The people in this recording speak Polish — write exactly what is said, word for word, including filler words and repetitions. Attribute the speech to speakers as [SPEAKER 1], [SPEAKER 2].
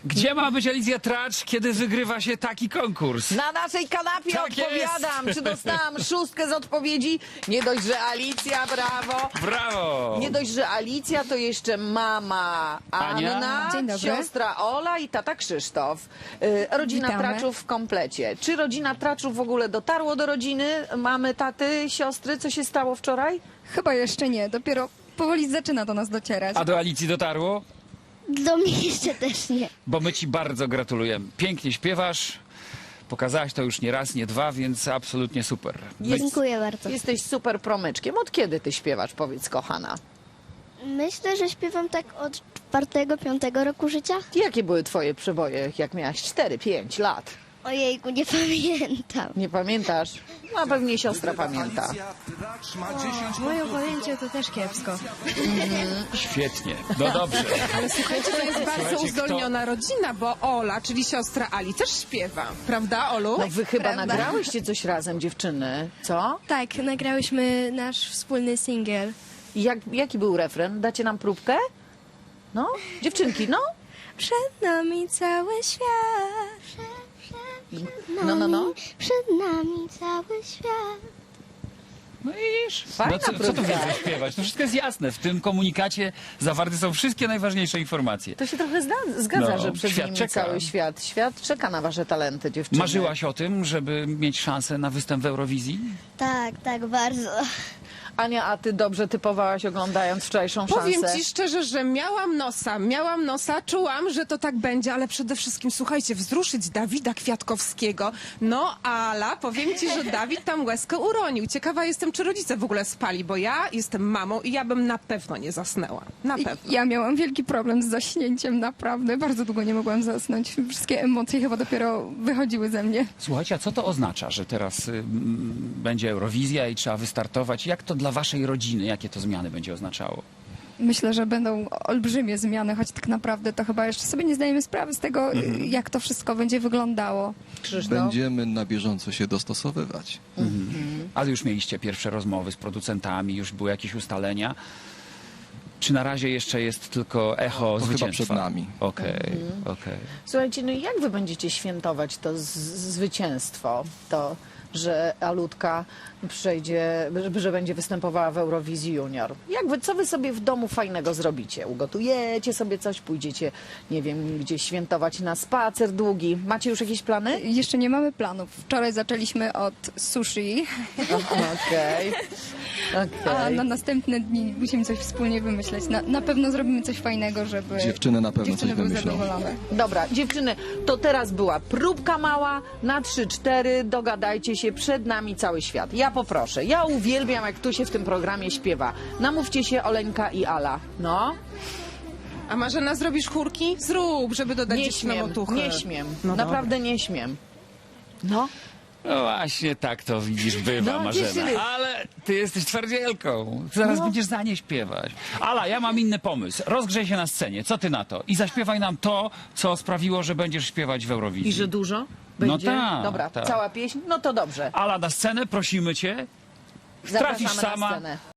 [SPEAKER 1] Gdzie ma być Alicja Tracz, kiedy wygrywa się taki konkurs?
[SPEAKER 2] Na naszej kanapie
[SPEAKER 1] Tak
[SPEAKER 2] odpowiadam.
[SPEAKER 1] jest.
[SPEAKER 2] Czy dostałam szóstkę z odpowiedzi? Nie dość, że Alicja, brawo.
[SPEAKER 1] Brawo!
[SPEAKER 2] Nie dość, że Alicja, to jeszcze mama
[SPEAKER 1] Ania.
[SPEAKER 2] Anna,
[SPEAKER 3] Dzień dobry.
[SPEAKER 2] siostra Ola i tata Krzysztof. Y, Rodzina
[SPEAKER 3] Witamy.
[SPEAKER 2] Traczów w komplecie. Czy rodzina Traczów w ogóle dotarło do rodziny? Mamy, taty, siostry? Co się stało wczoraj?
[SPEAKER 3] Chyba jeszcze nie, dopiero powoli zaczyna do nas docierać.
[SPEAKER 1] A do Alicji dotarło?
[SPEAKER 4] Do mnie jeszcze też nie.
[SPEAKER 1] Bo my ci bardzo gratulujemy. Pięknie śpiewasz. Pokazałaś to już nie raz, nie dwa, więc absolutnie super. My...
[SPEAKER 4] Dziękuję bardzo.
[SPEAKER 2] Jesteś super promyczkiem. Od kiedy ty śpiewasz, powiedz, kochana?
[SPEAKER 4] Myślę, że śpiewam tak od czwartego, piątego roku życia.
[SPEAKER 2] Jakie były twoje przeboje, jak miałaś cztery, pięć lat?
[SPEAKER 4] Ojejku, nie pamiętam.
[SPEAKER 2] Nie pamiętasz? No pewnie siostra pamięta.
[SPEAKER 3] Moje pojęcie to też kiepsko.
[SPEAKER 1] Świetnie. No dobrze.
[SPEAKER 5] Ale słuchajcie, to jest bardzo
[SPEAKER 1] Słuchajcie,
[SPEAKER 5] uzdolniona rodzina, bo Ola, czyli siostra Ali, też śpiewa. Prawda, Olu?
[SPEAKER 2] No wy chyba
[SPEAKER 3] Prawda.
[SPEAKER 2] nagrałyście coś razem, dziewczyny, co?
[SPEAKER 6] Tak, nagrałyśmy nasz wspólny singiel.
[SPEAKER 2] I Jak, jaki był refren? Dacie nam próbkę? No? Dziewczynki, no?
[SPEAKER 6] Przed nami cały świat.
[SPEAKER 4] Przed
[SPEAKER 2] No, no, no.
[SPEAKER 4] Przed nami cały świat.
[SPEAKER 1] No iż.
[SPEAKER 2] Fajna
[SPEAKER 1] No co, co tu
[SPEAKER 2] próbka.
[SPEAKER 1] więcej śpiewać? To wszystko jest jasne. W tym komunikacie zawarte są wszystkie najważniejsze informacje.
[SPEAKER 2] To się trochę zda, zgadza,
[SPEAKER 1] No,
[SPEAKER 2] że przed
[SPEAKER 1] świat
[SPEAKER 2] nimi
[SPEAKER 1] czeka.
[SPEAKER 2] cały świat. Świat czeka na wasze talenty, dziewczyny.
[SPEAKER 1] Marzyłaś o tym, żeby mieć szansę na występ w Eurowizji?
[SPEAKER 4] Tak, tak, bardzo.
[SPEAKER 2] Ania, a ty dobrze typowałaś, oglądając wczorajszą
[SPEAKER 5] Powiem
[SPEAKER 2] szansę?
[SPEAKER 5] ci szczerze, że miałam nosa, miałam nosa, czułam, że to tak będzie, ale przede wszystkim, słuchajcie, wzruszyć Dawida Kwiatkowskiego. No, Ala, powiem ci, że Dawid tam łezkę uronił. Ciekawa jestem, czy rodzice w ogóle spali, bo ja jestem mamą i ja bym na pewno nie zasnęła. Na
[SPEAKER 3] I-
[SPEAKER 5] pewno.
[SPEAKER 3] Ja miałam wielki problem z zaśnięciem, naprawdę. Bardzo długo nie mogłam zasnąć. Wszystkie emocje chyba dopiero wychodziły ze mnie.
[SPEAKER 1] Słuchajcie, a co to oznacza, że teraz y, m, będzie Eurowizja i trzeba wystartować? Jak to dla waszej rodziny, jakie to zmiany będzie oznaczało?
[SPEAKER 3] Myślę, że będą olbrzymie zmiany, choć tak naprawdę to chyba jeszcze sobie nie zdajemy sprawy z tego, jak to wszystko będzie wyglądało.
[SPEAKER 2] Krzysztof?
[SPEAKER 7] Będziemy na bieżąco się dostosowywać.
[SPEAKER 1] Ale już mieliście pierwsze rozmowy z producentami, już były jakieś ustalenia. Czy na razie jeszcze jest tylko echo
[SPEAKER 7] To chyba
[SPEAKER 1] zwycięstwa?
[SPEAKER 7] przed nami.
[SPEAKER 1] Okej, okej.
[SPEAKER 2] Słuchajcie, no i jak wy będziecie świętować to z- zwycięstwo, to, że Alutka przejdzie, że- że będzie występowała w Eurowizji Junior? Jak wy, co wy sobie w domu fajnego zrobicie? Ugotujecie sobie coś, pójdziecie, nie wiem, gdzieś świętować na spacer długi? Macie już jakieś plany?
[SPEAKER 3] Jeszcze nie mamy planów. Wczoraj zaczęliśmy od sushi,
[SPEAKER 2] Okej.
[SPEAKER 3] a
[SPEAKER 2] Okej.
[SPEAKER 3] na następne dni musimy coś wspólnie wymyśleć. Na, na pewno zrobimy coś fajnego, żeby
[SPEAKER 7] Dziewczyny na pewno
[SPEAKER 3] dziewczyny
[SPEAKER 7] coś
[SPEAKER 3] były
[SPEAKER 7] wymyślą.
[SPEAKER 3] zadowolone.
[SPEAKER 2] Dobra, dziewczyny, to teraz była próbka mała na trzy cztery. Dogadajcie się, przed nami cały świat. Ja poproszę. Ja uwielbiam, jak tu się w tym programie śpiewa. Namówcie się Oleńka i Ala. No,
[SPEAKER 5] A Marzena, zrobisz chórki? Zrób, żeby dodać
[SPEAKER 2] nie
[SPEAKER 5] dziewczynom
[SPEAKER 2] śmiem,
[SPEAKER 5] otuchy.
[SPEAKER 2] nie śmiem.
[SPEAKER 5] No
[SPEAKER 2] Naprawdę nie śmiem. No,
[SPEAKER 1] No właśnie tak to widzisz, bywa,
[SPEAKER 2] No,
[SPEAKER 1] Marzena.
[SPEAKER 2] dziewczyny.
[SPEAKER 1] Ale ty jesteś twardzielką. Zaraz
[SPEAKER 2] No.
[SPEAKER 1] będziesz za nie śpiewać. Ala, ja mam inny pomysł. Rozgrzej się na scenie. Co ty na to? I zaśpiewaj nam to, co sprawiło, że będziesz śpiewać w Eurowizji.
[SPEAKER 2] i że dużo
[SPEAKER 1] No
[SPEAKER 2] będzie?
[SPEAKER 1] tak,
[SPEAKER 2] Dobra,
[SPEAKER 1] tak.
[SPEAKER 2] cała pieśń? No to dobrze.
[SPEAKER 1] Ala, na scenę prosimy cię.
[SPEAKER 2] Zapraszamy
[SPEAKER 1] Trafisz
[SPEAKER 2] na
[SPEAKER 1] sama.
[SPEAKER 2] scenę.